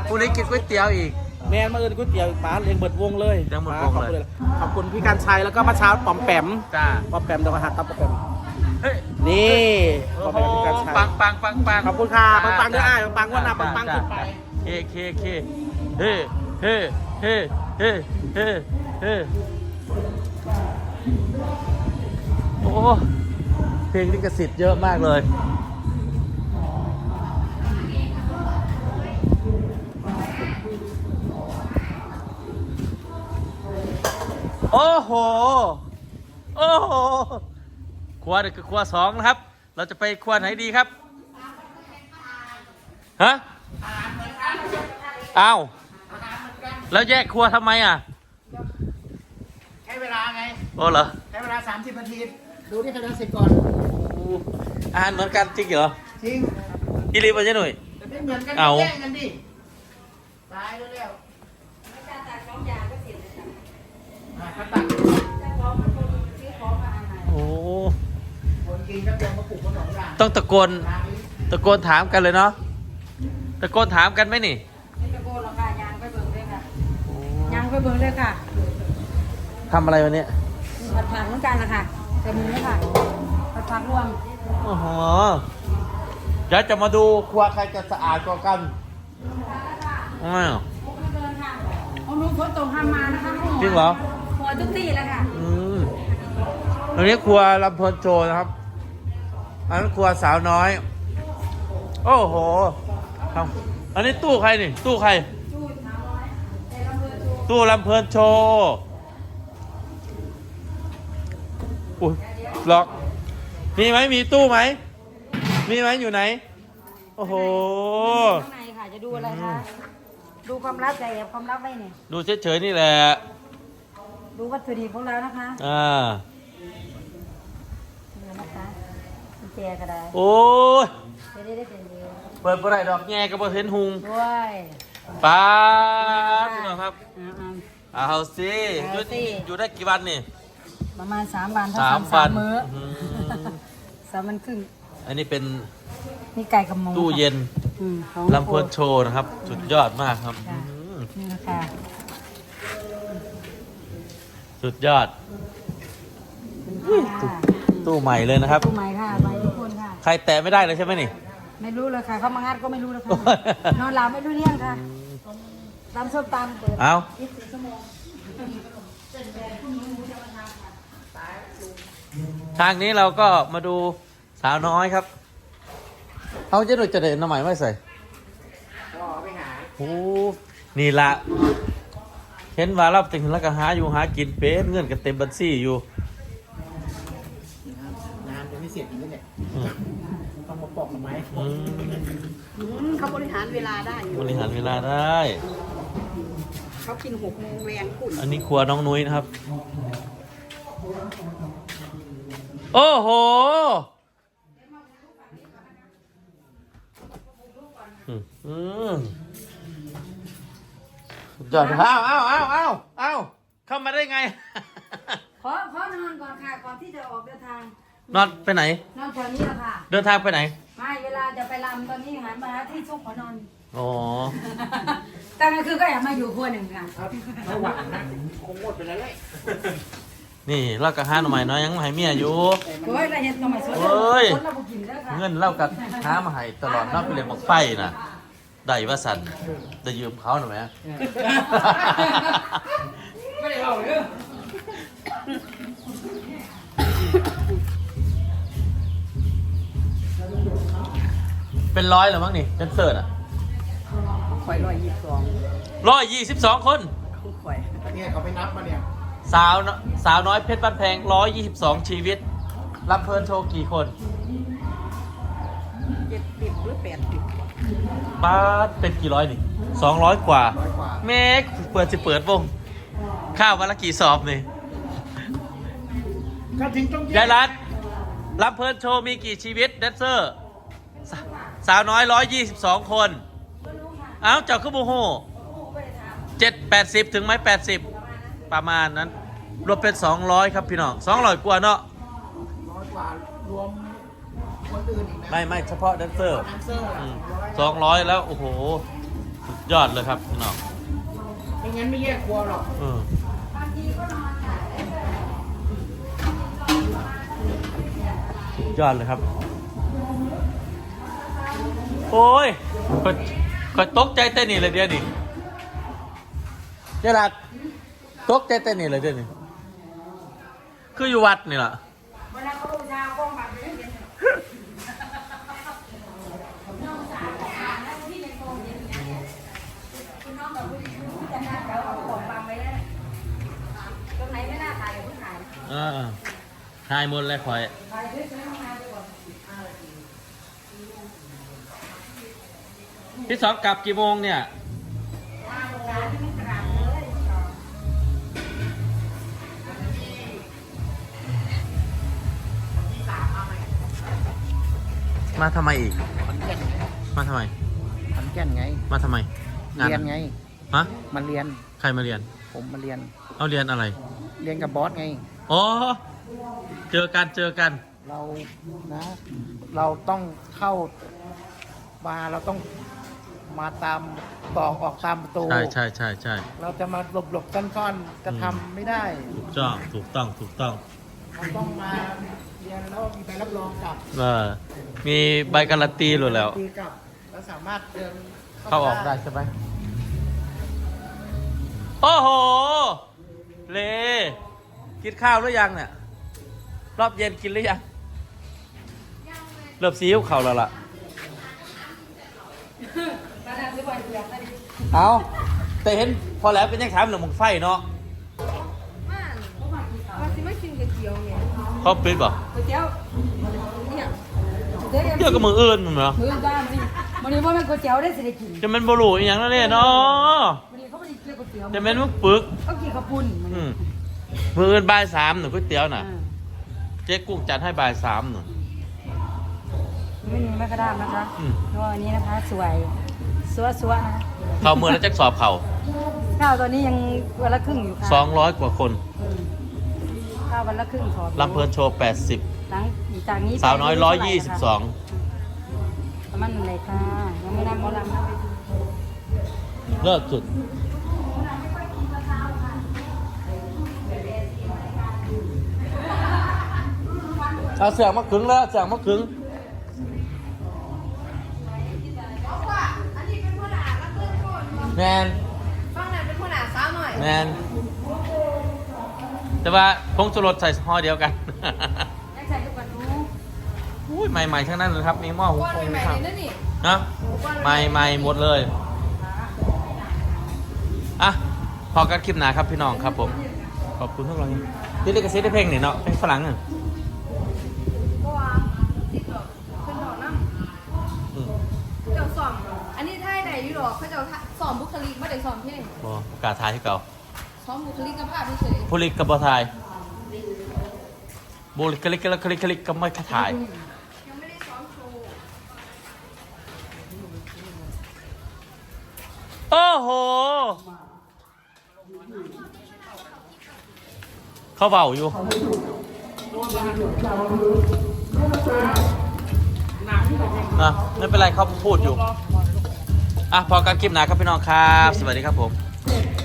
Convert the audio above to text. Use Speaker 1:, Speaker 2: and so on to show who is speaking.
Speaker 1: พรุ่งนี้กินก๋วยเตี๋ยวอีก
Speaker 2: แมนมาเอิญก๋วยเตี๋ยวป๋าเลี้ยงเบิดวงเลย
Speaker 1: เลี้ยงเบิดวงเลย
Speaker 2: ขอบคุณพี่การชัยแล้วก็มาเช้าปอมแปม
Speaker 1: จ้า
Speaker 2: ปอมแปมเดี๋ยวมาหาตับปอมแปม
Speaker 1: เฮ้ย
Speaker 2: นี่ป
Speaker 1: โอ้
Speaker 2: อม
Speaker 1: โห
Speaker 2: แปมพี่การชัย
Speaker 1: ปัง
Speaker 2: ขอบคุณค่ะปังด้วยปังว่าหน้าปังขึ้นไป
Speaker 1: เคเฮ้เฮ้เฮ้เฮ้เฮ้เฮ้โอ้เพลงลิขสิทธิ์เยอะมากเลยโอ้โหโอ้โหครัวนี่คือครัวสองนะครับเราจะไปครัวไหนดีครับฮะอ้าวแล้วแยกครัวทำไมอ่ะ
Speaker 2: ใช้เวลาไง
Speaker 1: โอ้เหรอ
Speaker 2: ใช้เวลา30 นาทีดูที่คะแนน10ก่อน
Speaker 1: อาหารเหมือนกันจริงเหรอ
Speaker 2: จริง
Speaker 1: อีลีบใช่หน่อย
Speaker 2: แต่ไม่เหมือนกัน
Speaker 1: เอา
Speaker 2: แย่งกันดิตายแล้วแล้วไม่กล้าตัดของยาก็เสียเลยจ้ะก็ตัดจะของมันคนซื้อของมาอะไร
Speaker 1: โอ้
Speaker 2: คนกินก็เตรียมมาปลูกขนมอย่าง
Speaker 1: ต้องตะโกนถามกันเลยเนาะตะโกนถามกันไหมนี่
Speaker 3: ไม่ตะโกนหรอกค่ะยางไปเบิ่งเลยค่ะยางไปเบิ่งเลยค่ะ
Speaker 1: ทำอะไรวันนี้
Speaker 3: ผัดผักเหมือนกันนะคะแต่มือเลยค่ะผัดผักรวม
Speaker 1: โอ้โหเดี๋ยวจะมาดูครัวใครจะสะอาดกว่ากันอ้าว
Speaker 3: เดินค่ะเอาลุงฝนตกทำมานะคะ
Speaker 1: จริงเหรอ
Speaker 3: หัวทุกที่เลยค่ะ
Speaker 1: ตรงนี้ครัวลำเพลินโจนะครับอันนั้นครัวสาวน้อยโอ้โหอันนี้ตู้ใครนี่ตู้ใครตู้ลำเพลินโชว์อุ้ยล็อกมีไหมมีตู้ไหมมีไหมอยู่ไหนโอ้โห
Speaker 3: ข้างในค่ะจะดูอะไรคะดูความลับใจความลับไว้เนี่ย
Speaker 1: ดูเฉยๆนี่แหละ
Speaker 3: ดูวัตถุดิบของเรานะคะนี่นะคะกุญแจก็ได้
Speaker 1: โอ้ย
Speaker 3: จะได้เป็นเดียว
Speaker 1: เปิดบ่ได้ดอกแง่ก็บ่เห็นหุง
Speaker 3: ด้วย
Speaker 1: ป้าพี่น้องครับเอาสิอยู่ได้กี่วันนี่
Speaker 3: ประมาณ3 วัน
Speaker 1: 3
Speaker 3: มื้อ3 วันครึ่ง
Speaker 1: อันนี้เป็น
Speaker 3: นี่ไก่กับหมู
Speaker 1: ตู้เย็น
Speaker 3: ของ
Speaker 1: ลำเพลินโชว์นะครับสุดยอดมากครับ
Speaker 3: นี่นะคะ
Speaker 1: สุดยอดตู้ใหม่เลยนะครับ
Speaker 3: ตู้ใหม่ค่ะใหม่ทุกคนค่ะ
Speaker 1: ใครแตะไม่ได้เลยใช่ไหมนี่
Speaker 3: ไม่รู้เลยค่ะเขามางัดก็ไม่รู้เลยค่ะนอนหลับไม่รู้เรื่องค่ะตามส้มตำเปิด
Speaker 1: เอา
Speaker 3: 24 ชั่วโมง
Speaker 1: ทางนี้เราก็มาดูสาวน้อยครับเขาจะดูจะเดินน้ำใหม่ไม่ใส่
Speaker 2: ไปหา
Speaker 1: โอ้นี่ละเห็นว่าเราถึงแล้วก็หาอยู่หากินเป็นเงินกันเต็มบัญชีอยู่
Speaker 2: งานจะไม่เสร็จอีกแล้วเนี่ยต้องมาปอกหน่อไม้
Speaker 3: เขาบริหารเวลาได้
Speaker 1: บริหารเวลาได้
Speaker 3: เขากิน6 โมงแรงคุณ
Speaker 1: อันนี้ครัวน้องนุ้ยนะครับโอ้โหจอดเอาเข้ามาได้ไง
Speaker 3: ขอนอนก่อนค่ะก่อนที่จะออกเดินทาง
Speaker 1: นอนไปไหน
Speaker 3: นอนแถวนี้แหละค่ะ
Speaker 1: เดินทางไปไหน
Speaker 3: ไม่เวลาจะไปรำตอนนี้หันมาที่ซุกขอนอน
Speaker 1: อ๋อ
Speaker 3: ตอนกลางคืนก็อยากมาอยู่ครัวหนึ่งค่ะ
Speaker 2: ระหว่างนะคงหมดไปแล้วเลย
Speaker 1: นี่เรากับห้าหน่อไม้น้อยยังให้เมียอยู่
Speaker 3: โอ้ยเราเห็นหน่อไม้สดเรากินแล้วค่ะ
Speaker 1: เงินเล่ากับห้ามาให้ตลอดนอกไปเรียนบอกไฟน่ะได้ว่าสันจะยืมเขาหน่อยไหม
Speaker 2: ไม่ได้เอาเลย
Speaker 1: เป็น100หรือมั้งนี่เดนเซอร์อ่ะ
Speaker 3: ข่อย
Speaker 1: 122 คน
Speaker 2: ข่อยเนี่ยเขาไปนับมาเนี่ย
Speaker 1: สาวน้อยเพชรบ้านแพง122 ชีวิตรับเพลินโชว์กี่คน
Speaker 3: 70 หรือ 80
Speaker 1: บ้าเป็นกี่ร้อยนี่200 กว่าเมกเปิดวงข้าววันละกี่สอบนี่ยายรัตรับเพลินโชว์มีกี่ชีวิตแดนเซอร์สาวน้อย122 คนเอ้าเจ้าคือโมโห780ถึงไหม80ประมาณนั้นรวมเป็น200ครับพี่น้อง200 กว่าเนาะ
Speaker 2: 100 กว่ารวมคนอื่นอีกนะ
Speaker 1: ไม่เฉพาะแดนเซอร์200แล้วโอ้โหสุดยอดเลยครับพี่น้อง
Speaker 2: ไม่งั้นไม่แยกครัวหรอก
Speaker 1: ยอดเลยครับ โอ้ยก็ตกใจเต้นนี่เลยเดี๋ยวนี้เจ้าหลักตกใจเต้นนี่เลยเดี๋ยวนี้คืออยู่วัดนี่แหละ
Speaker 3: เวลาเขาบูชาก้องมาเป็นเย็นน้องสาวแล้วที่ในโรงเรียนเนี่ยคุณน้องแบบผู้จัดการเขาเอาของวางไว้แล้วตรงไหนไม่น่าถ่ายเพิ่งถ่าย
Speaker 1: ทายหมดเลยคอย
Speaker 3: ถ่ายด้วยใช้ห้องน้ำไปก่อน
Speaker 1: พี่สองกลับกี่โมงเนี่ย มาทำไมอีก มาทำไม
Speaker 2: ขอนแก่นไง
Speaker 1: มาทำไม
Speaker 2: เรียนไง
Speaker 1: ฮะ
Speaker 2: มาเรียน
Speaker 1: ใครมาเรียน
Speaker 2: ผมมาเรียน
Speaker 1: เอาเรียนอะไร
Speaker 2: เรียนกับบอสไง
Speaker 1: อ๋อ เจอกัน
Speaker 2: เรานะ เราต้องเข้ามาเราต้องมาตามตอกออกตามประตู
Speaker 1: ใช่
Speaker 2: เราจะมาหลบซ่อนๆจะทำไม่ได้
Speaker 1: ถูกต้อง
Speaker 2: เราต้องมาเรียนแล้วมีใบรับรองกลับ
Speaker 1: มีใบการันตีหรือแล้ว
Speaker 2: ตีกลับแล้วสามารถเดิน
Speaker 1: เข้าออกได้ใช่ไหม โอ้โห เลกินข้าวหรือยังเนี่ย รอบเย็นกินหรือยัง เริ่มซีอิ๊วเข่าแล้วล่ะ เอาแต่เห็นพอแล้วเป็นยังถามเรื่องมึงไฟเนาะ
Speaker 3: ว่าสิไม่กินก๋วยเตี๋ยวเนี่ย
Speaker 1: เขาปิดบ่
Speaker 3: ก๋วยเตี๋ยวเนี่ย
Speaker 1: เที่ยวกับมืออื่นมึงเหรอ
Speaker 3: มื้อบ้านสิวันนี้ว่ามันก๋วยเตี๋ยวได้สิได้กิน
Speaker 1: จะเป็นบรูอีกอย่างนั้นเนี่ยเนาะ
Speaker 3: วันนี้เขาไม่ได้กินก๋วยเตี๋ยว
Speaker 1: จะเป็นมึงปึก
Speaker 3: เขากินข้าวปุ้น
Speaker 1: มืออื่นบ่ายสามหนูก๋วยเตี๋ยวน่ะ เจ๊กุ้งจัดให้บ่ายสามหนู
Speaker 3: ไม่มีแม่กระด้ามนะคะตัวอันนี้นะคะสวยสัวนะ
Speaker 1: เข้ามือแล้วแจ็คสอบเข่า
Speaker 3: ข้าวตอนนี้ยังวันละครึ่งอยู่ค่ะ
Speaker 1: 200 กว่าคน
Speaker 3: ข้าววันละครึ่งขอ
Speaker 1: ลำเพลินโชว์
Speaker 3: หลังจากนี้
Speaker 1: 80 สาวน้อย 122
Speaker 3: ประมาณไหนค่ะยังไม่นำหมอลำนะ
Speaker 1: เลิศสุด เอาเสียงมาขึงแล้วเสียงมาขึง แมน
Speaker 3: ฟังหน่อยเป็นคนหนาสาวหน่อย
Speaker 1: แมน แต่ว่าพงสุรสใส่ห่อเดียวกัน
Speaker 3: ได้ใส่ทุกวันรู้
Speaker 1: อุ้ยใหม่ๆทั้งนั้นเลยครับ มีหม้อหุง
Speaker 3: ก้อน
Speaker 1: ฟง
Speaker 3: ใหม่
Speaker 1: ครับ
Speaker 3: ๆเลยนะนี่
Speaker 1: นะใหม่ๆหมดเลย อ่ะ พอกันคลิปหนาครับพี่น้องครับผม ขอบคุณทุกท่านที่เล่นกระซิบได้เพลงนี่เนาะเพลงฝรั่งอ่ะ
Speaker 3: ก็ว่าติดดอกขึ้นดอกน้ำเจ้าสอมอันนี้ท่ายไหนอยู่หรอเขาเจ้าสอมบุคลิกไม่ได้สอมเพลง
Speaker 1: บประกาศทายให้เก่า
Speaker 3: สอมบุคลิกภาพเฉย
Speaker 1: ผู้ลิกกับบอทายบุลิกลิกลิกลิกลิกก็ไม่ค่าถ่าย
Speaker 3: ยังไม่ได้ซ้อมโชว์
Speaker 1: โอ้โห เขาเบาอยู่นะไม่เป็นไรเขาพูดอยู่ อ่ะ พอการคลิปหนาครับพี่น้องครับ สวัสดีครับผม